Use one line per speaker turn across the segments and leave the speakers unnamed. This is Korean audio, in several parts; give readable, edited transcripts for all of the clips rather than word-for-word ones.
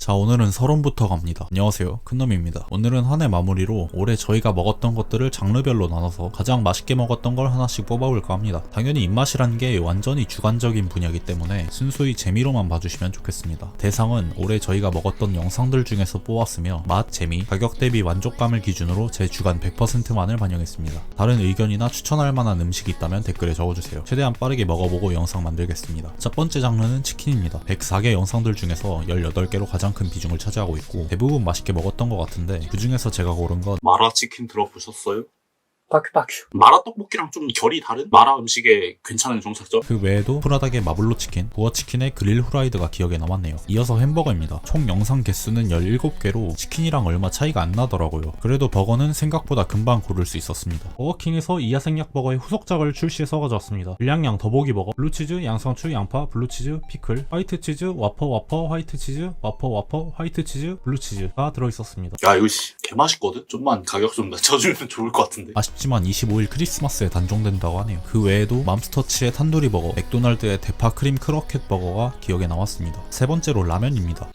자, 오늘은 서론부터 갑니다. 안녕하세요, 큰놈입니다. 오늘은 한 해 마무리로 올해 저희가 먹었던 것들을 장르별로 나눠서 가장 맛있게 먹었던 걸 하나씩 뽑아볼까 합니다. 당연히 입맛이란 게 완전히 주관적인 분야이기 때문에 순수히 재미로만 봐주시면 좋겠습니다. 대상은 올해 저희가 먹었던 영상들 중에서 뽑았으며 맛, 재미, 가격 대비 만족감을 기준으로 제 주관 100%만을 반영했습니다. 다른 의견이나 추천할 만한 음식이 있다면 댓글에 적어주세요. 최대한 빠르게 먹어보고 영상 만들겠습니다. 첫 번째 장르는 치킨입니다. 104개 영상들 중에서 18개로 가장 큰 비중을 차지하고 있고 대부분 맛있게 먹었던 것 같은데 그 중에서 제가 고른 건
마라치킨 들어보셨어요?
바큐바큐.
마라 떡볶이랑 좀 결이 다른 마라 음식의 괜찮은 정착점?
그 외에도 프라닭의 마블로 치킨, 부어치킨의 그릴 후라이드가 기억에 남았네요. 이어서 햄버거입니다. 총 영상 개수는 17개로 치킨이랑 얼마 차이가 안 나더라고요. 그래도 버거는 생각보다 금방 고를 수 있었습니다. 버거킹에서 이하생약버거의 후속작을 출시해서 가져왔습니다. 불량양 더보기버거, 블루치즈, 양상추, 양파, 블루치즈, 피클, 화이트치즈, 와퍼, 화이트치즈, 와퍼, 화이트치즈, 블루치즈가 들어있었습니다.
야 이거 개맛있거든? 좀만 가격 좀 낮춰주면 좋을 것 같은데.
아쉽지만 25일 크리스마스에 단종된다고 하네요. 그 외에도 맘스터치의 탄두리 버거, 맥도날드의 대파 크림 크로켓 버거가 기억에 남았습니다. 세 번째로 라면입니다.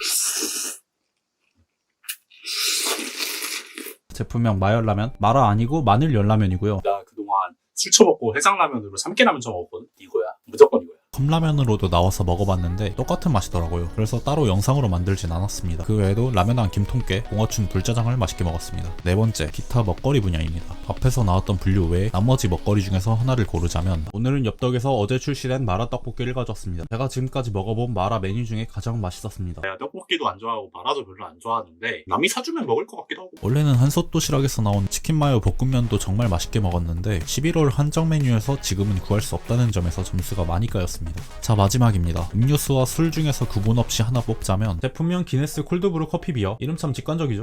제품명 마열라면, 마라 아니고 마늘 열라면이고요.
나 그동안 술 처먹고 해장라면으로 삼계라면 처먹었거든? 이거야. 무조건 이거야.
컵라면으로도 나와서 먹어봤는데 똑같은 맛이더라고요. 그래서 따로 영상으로 만들진 않았습니다. 그 외에도 라면왕 김통깨, 봉어춘 불짜장을 맛있게 먹었습니다. 네 번째, 기타 먹거리 분야입니다. 앞에서 나왔던 분류 외에 나머지 먹거리 중에서 하나를 고르자면 오늘은 엽떡에서 어제 출시된 마라 떡볶이를 가져왔습니다. 제가 지금까지 먹어본 마라 메뉴 중에 가장 맛있었습니다.
내가 떡볶이도 안 좋아하고 마라도 별로 안 좋아하는데 남이 사주면 먹을 것 같기도 하고.
원래는 한솥 도시락에서 나온 치킨 마요 볶음면도 정말 맛있게 먹었는데 11월 한정 메뉴에서 지금은 구할 수 없다는 점에서 점수가 많이 까였습니다. 자, 마지막입니다. 음료수와 술 중에서 구분 없이 하나 뽑자면 제품명 기네스 콜드브루 커피 비어. 이름 참 직관적이죠?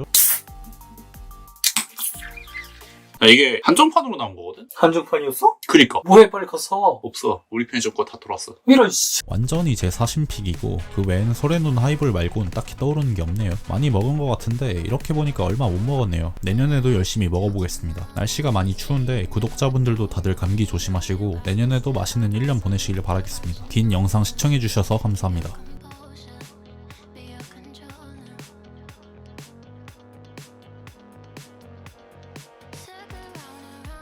야, 이게 한정판으로 나온 거거든?
한정판이었어?
그니까.
뭐해 빨리 가서.
없어. 우리 편의점 거 다 돌았어.
이런 씨.
완전히 제 사심픽이고 그 외엔 소래눈 하이볼 말곤 딱히 떠오르는 게 없네요. 많이 먹은 것 같은데 이렇게 보니까 얼마 못 먹었네요. 내년에도 열심히 먹어보겠습니다. 날씨가 많이 추운데 구독자분들도 다들 감기 조심하시고 내년에도 맛있는 1년 보내시길 바라겠습니다. 긴 영상 시청해주셔서 감사합니다.